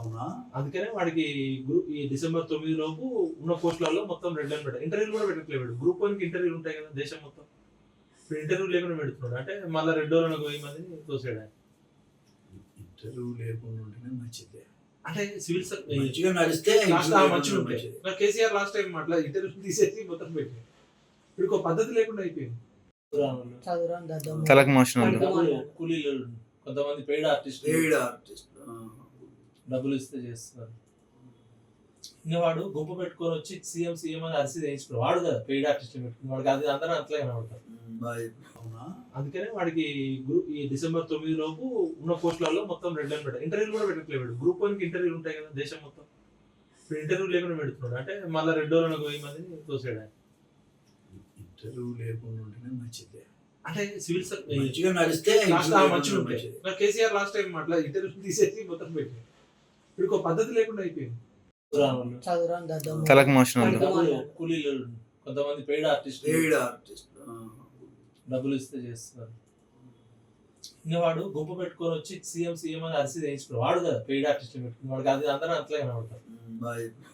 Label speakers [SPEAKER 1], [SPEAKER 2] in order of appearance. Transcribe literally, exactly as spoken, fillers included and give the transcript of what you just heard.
[SPEAKER 1] అవునా?
[SPEAKER 2] అందుకనే వాడికి గ్రూప్ ఈ డిసెంబర్ తొమ్మిది లోపు ఉన్న పోస్టులలో మొత్తం రెడ్ లైన్ పెట్టారు. ఇంటర్వ్యూలు కూడా పెట్టట్లేదు. గ్రూప్ వన్ కి ఇంటర్వ్యూలు ఉంటాయి కదా దేశం మొత్తం. ఇప్పుడు ఇంటర్వ్యూ లేకుండా పెడుతున్నాడు. అంటే మళ్ళీ రెడ్ రోజులు వెయ్యి మందిని తోసాడు ఆయన.
[SPEAKER 1] ఇంటర్వ్యూ లేకుండా ఉంటేనే మంచిది.
[SPEAKER 2] అంటే సివిల్
[SPEAKER 1] మంచిగా నడిస్తే
[SPEAKER 2] లాస్ట్
[SPEAKER 1] ఇంటర్వ్యూ
[SPEAKER 2] మంచిగా
[SPEAKER 1] లేకుండా
[SPEAKER 2] ఉంటాయి.
[SPEAKER 1] మంచిది.
[SPEAKER 2] కేసీఆర్ లాస్ట్ టైం అట్లా ఇంటర్వ్యూ తీసేసి మొత్తం పెట్టి ఇప్పుడు ఒక పద్ధతి లేకుండా అయిపోయింది.
[SPEAKER 3] చదువురాని దద్దమ్మ.
[SPEAKER 4] తలకు మోషన్ ఉంది.
[SPEAKER 3] డబ్బులు
[SPEAKER 2] కూలీలు కొంతమంది పెయిడ్ ఆర్టిస్ట్
[SPEAKER 1] పెయిడ్ ఆర్టిస్ట్.
[SPEAKER 2] డబ్బులు ఇస్తే చేస్తున్నారు. ఇంకా వాడు గుంపు పెట్టుకొని వచ్చి సీఎం సీఎం అని అరిసి చేయించుకున్నాడు. వాడు కదా పెయిడ్ ఆర్టిస్ట్ పెట్టుకుని వాడికి అది అందరూ అట్లా కనబడతారు.
[SPEAKER 1] అవునా?
[SPEAKER 2] అందుకనే వాడికి గ్రూప్ ఈ డిసెంబర్ తొమ్మిది లోపు ఉన్న పోస్టులలో మొత్తం రెడ్ లైన్ పెట్టారు. ఇంటర్వ్యూలు కూడా పెట్టట్లేదు. గ్రూప్ వన్ కి ఇంటర్వ్యూలు ఉంటాయి కదా దేశం మొత్తం. ఇప్పుడు ఇంటర్వ్యూ లేకుండా పెడుతున్నాడు. అంటే మళ్ళీ రెడ్ రోజులు వెయ్యి మందిని తోసాడు ఆయన.
[SPEAKER 1] ఇంటర్వ్యూ లేకుండా ఉంటేనే మంచిది.
[SPEAKER 2] అంటే సివిల్
[SPEAKER 1] మంచిగా నడిస్తే
[SPEAKER 2] లాస్ట్
[SPEAKER 1] ఇంటర్వ్యూ
[SPEAKER 2] మంచిగా
[SPEAKER 1] లేకుండా
[SPEAKER 2] ఉంటాయి.
[SPEAKER 1] మంచిది.
[SPEAKER 2] కేసీఆర్ లాస్ట్ టైం అట్లా ఇంటర్వ్యూ తీసేసి మొత్తం పెట్టి ఇప్పుడు ఒక పద్ధతి లేకుండా అయిపోయింది.
[SPEAKER 3] చదువురాని దద్దమ్మ.
[SPEAKER 4] తలకు మోషన్ ఉంది.
[SPEAKER 2] కూలీలు కొంతమంది పెయిడ్ ఆర్టిస్ట్
[SPEAKER 1] పెయిడ్ ఆర్టిస్ట్.
[SPEAKER 2] డబ్బులు ఇస్తే చేస్తున్నారు. ఇంకా వాడు గుంపు పెట్టుకొని వచ్చి సీఎం సీఎం అని అరిసి చేయించుకున్నాడు. వాడు కదా పెయిడ్ ఆర్టిస్ట్ పెట్టుకుని వాడికి అది అందరూ అట్లా కనబడతారు.